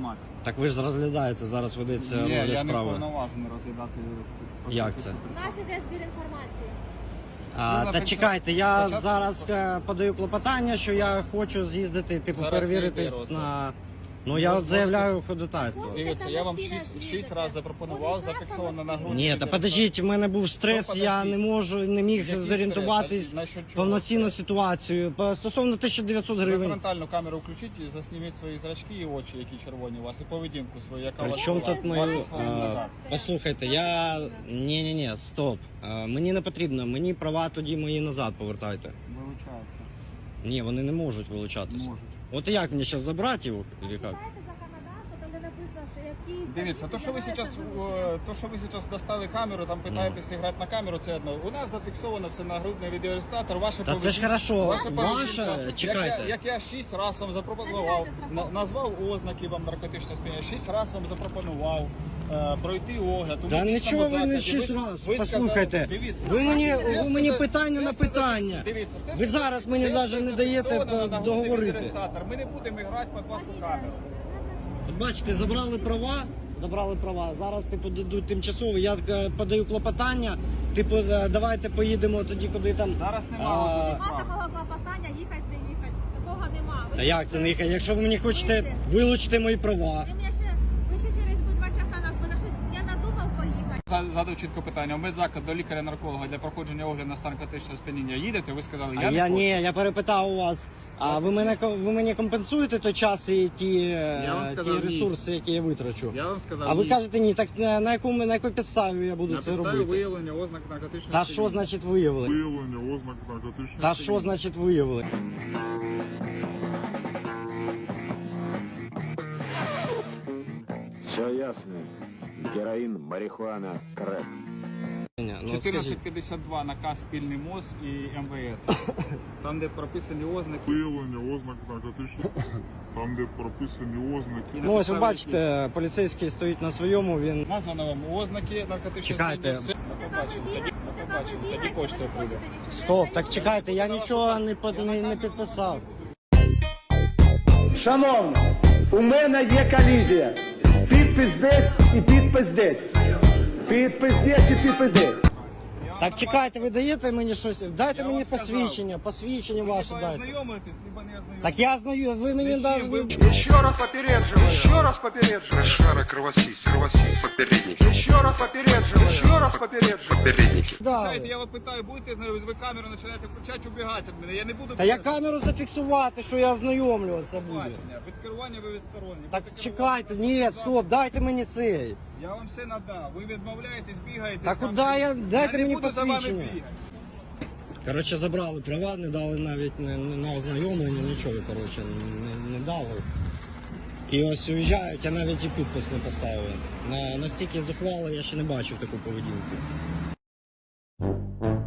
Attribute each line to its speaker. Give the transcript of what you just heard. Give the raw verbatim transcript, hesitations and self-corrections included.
Speaker 1: інформації.
Speaker 2: Так ви ж розглядаєте, зараз ведеться
Speaker 1: Ні,
Speaker 2: розгляд
Speaker 1: я не
Speaker 2: справи.
Speaker 1: повноважений розглядати.
Speaker 2: Як це?
Speaker 3: У нас іде збір інформації.
Speaker 2: А,
Speaker 1: Це
Speaker 2: та
Speaker 1: зафіксовано.
Speaker 2: чекайте, я
Speaker 1: Спочатку
Speaker 2: зараз
Speaker 1: просто-
Speaker 2: е, подаю клопотання, що я хочу з'їздити, типу,
Speaker 1: Зараз не йде
Speaker 2: перевіритись
Speaker 1: розгляд.
Speaker 2: на... Ну я
Speaker 1: Ну,
Speaker 2: от заявляю ходатайство.
Speaker 1: Дивіться, я вам
Speaker 3: Самостійно
Speaker 1: шість,
Speaker 3: з'їздите.
Speaker 1: шість разів запропонував,
Speaker 3: Куди
Speaker 1: зафіксовано на
Speaker 3: самостійно?
Speaker 1: грудні.
Speaker 2: Ні, та подождіть, в мене був стрес,
Speaker 1: Що
Speaker 2: я
Speaker 1: подождіть?
Speaker 2: не можу, не міг
Speaker 1: Який
Speaker 2: зорієнтуватись
Speaker 1: стрес? На що, чого
Speaker 2: повноцінну
Speaker 1: стрес?
Speaker 2: ситуацію. По- Стосовно тисяча дев'ятсот
Speaker 1: Ви
Speaker 2: гривень.
Speaker 1: фронтальну камеру включіть і засніміть свої зрачки і очі, які червоні у вас, і поведінку свою, яка у
Speaker 2: При
Speaker 1: вас
Speaker 2: чому
Speaker 1: була
Speaker 2: тут
Speaker 1: двадцять
Speaker 2: мої...
Speaker 1: хвилин
Speaker 2: а,
Speaker 1: назад.
Speaker 2: Послухайте, я... Ні-ні-ні, стоп. А, Мені не потрібно, мені права тоді мої назад повертайте.
Speaker 1: Вилучається.
Speaker 2: Ні, вони не можуть вилучатися.
Speaker 1: Можуть.
Speaker 2: От як мені зараз забрати його? Или як?
Speaker 3: Читайте законодавство, там де написано, що якісь...
Speaker 1: Дивіться, то що ви зараз, то, що ви зараз достали камеру, там питаєтесь грати на камеру, це одно. У нас зафіксовано все на грудний відеореєстратор, ваше
Speaker 2: Та це ж хорошо,
Speaker 1: ваша поведінка.
Speaker 2: ваша,
Speaker 1: Як
Speaker 2: чекайте.
Speaker 1: я, як я шість разів вам запропонував,
Speaker 3: Забирайте страховку.
Speaker 1: на- назвав ознаки вам наркотичного сп'яніння, шість разів вам запропонував е, пройти огляд. у
Speaker 2: Та
Speaker 1: медичному
Speaker 2: нічого ви не
Speaker 1: закладі.
Speaker 2: шість
Speaker 1: Ви-
Speaker 2: раз.
Speaker 1: ви сказали-
Speaker 2: Послухайте,
Speaker 1: дивіться,
Speaker 2: ви мені,
Speaker 1: це
Speaker 2: ви
Speaker 1: все
Speaker 2: мені
Speaker 1: за-
Speaker 2: питання
Speaker 1: це
Speaker 2: на
Speaker 1: все за-
Speaker 2: питання.
Speaker 1: Дивіться, це
Speaker 2: Ви
Speaker 1: все-
Speaker 2: зараз мені
Speaker 1: це
Speaker 2: навіть
Speaker 1: все
Speaker 2: не даєте
Speaker 1: зафіксовано на нагрудний
Speaker 2: договорити.
Speaker 1: відеореєстратор. Ми не будемо грати під вашу камеру.
Speaker 2: От бачите, забрали права, забрали права. Зараз типу дадуть тимчасово. Я е, подаю клопотання. Типу, е, давайте поїдемо тоді, куди там.
Speaker 1: Зараз
Speaker 2: А,
Speaker 1: немає розгляду
Speaker 3: Нема
Speaker 1: справи.
Speaker 3: такого клопотання, їхати, не їхати. Такого нема. Ви
Speaker 2: Та як це не їхати? Якщо ви мені хочете
Speaker 3: Вийшли.
Speaker 2: вилучити мої права.
Speaker 3: Ви мене ще, ви ще через би два часа нас буде. Я надумав поїхати.
Speaker 1: За- Задав чітко питання. У медзаклад до лікаря-нарколога для проходження огляду на стан наркотичного сп'яніння їдете? Ви сказали,
Speaker 2: А
Speaker 1: я,
Speaker 2: я
Speaker 1: не
Speaker 2: ні, я перепитав у вас. А ви мене ко- ви мені компенсуєте той час і ті, е,
Speaker 1: вам
Speaker 2: ті
Speaker 1: сказав, ні.
Speaker 2: ресурси, які я витрачу?
Speaker 1: Я вам сказав,
Speaker 2: А ви
Speaker 1: ні.
Speaker 2: кажете ні, так на, на яку на якій підставі я буду
Speaker 1: на
Speaker 2: це
Speaker 1: підставі
Speaker 2: робити?
Speaker 1: виявлення ознак наркотичного
Speaker 2: Та
Speaker 1: сп'яніння.
Speaker 2: що значить виявили?
Speaker 4: Виявлення ознак наркотичного
Speaker 2: Та що значить виявили?
Speaker 5: Все ясно. Героин, марихуана, крэк.
Speaker 2: Ні, ну, от
Speaker 1: чотирнадцять
Speaker 2: скажіть.
Speaker 1: п'ятдесят два наказ спільний МОЗ і МВС. Там, де прописані ознаки.
Speaker 4: Виявлення ознак наркотичного там, де прописані ознаки.
Speaker 1: і на
Speaker 2: Ну ось ви
Speaker 1: підставі
Speaker 2: бачите, поліцейський стоїть на своєму, він...
Speaker 1: яких названо вам ознаки наркотичного
Speaker 2: Чекайте.
Speaker 1: сп'яніння. Все. До побачення. Тоді, до побачення. Тоді почтою прийде.
Speaker 2: Стоп, так чекайте, я нічого не, под- не, не підписав.
Speaker 6: Шановні, у мене є колізія. Підпис десь і підпис десь. Підпис десь і підпис десь.
Speaker 2: Так чекайте, ви даєте мені щось? Дайте
Speaker 1: Я
Speaker 2: мені
Speaker 1: вам сказав.
Speaker 2: посвідчення, посвідчення ваше
Speaker 1: Либо
Speaker 2: дайте.
Speaker 1: ознайомитесь, либо не ознайомитесь.
Speaker 2: Так я знаю, ви мені
Speaker 1: Зачем?
Speaker 2: навіть...
Speaker 1: Ви-
Speaker 7: Еще раз попередживаю. Еще раз попередживаю.
Speaker 8: Шара, кровосись, кровосись, попередники,
Speaker 7: Еще раз попередживаю. Еще раз попередживаю.
Speaker 8: попередники.
Speaker 2: Да.
Speaker 1: Знаєте, я вас питаю, будете знайомитись, ви камеру починаєте включати, убігати від мене. Я не буду...
Speaker 2: Та я камеру зафіксувати, що я ознайомлюватися буду.
Speaker 1: Бачення. Від керування ви відсторонні.
Speaker 2: Так
Speaker 1: Будете
Speaker 2: чекайте,
Speaker 1: керувати,
Speaker 2: ні, стоп, дайте мені цей.
Speaker 1: Я вам все надав. Ви відмовляєтесь, бігаєте.
Speaker 2: Та
Speaker 1: з камерою.
Speaker 2: куди я- дайте
Speaker 1: не
Speaker 2: мені
Speaker 1: буду за вами
Speaker 2: посвідчення.
Speaker 1: бігати.
Speaker 2: Коротше, забрали права, не дали навіть не, не на ознайомлення, нічого, коротше, не, не дали. І ось уїжджають, я навіть і підпис не поставив. На, настільки зухвало я ще не бачив таку поведінку.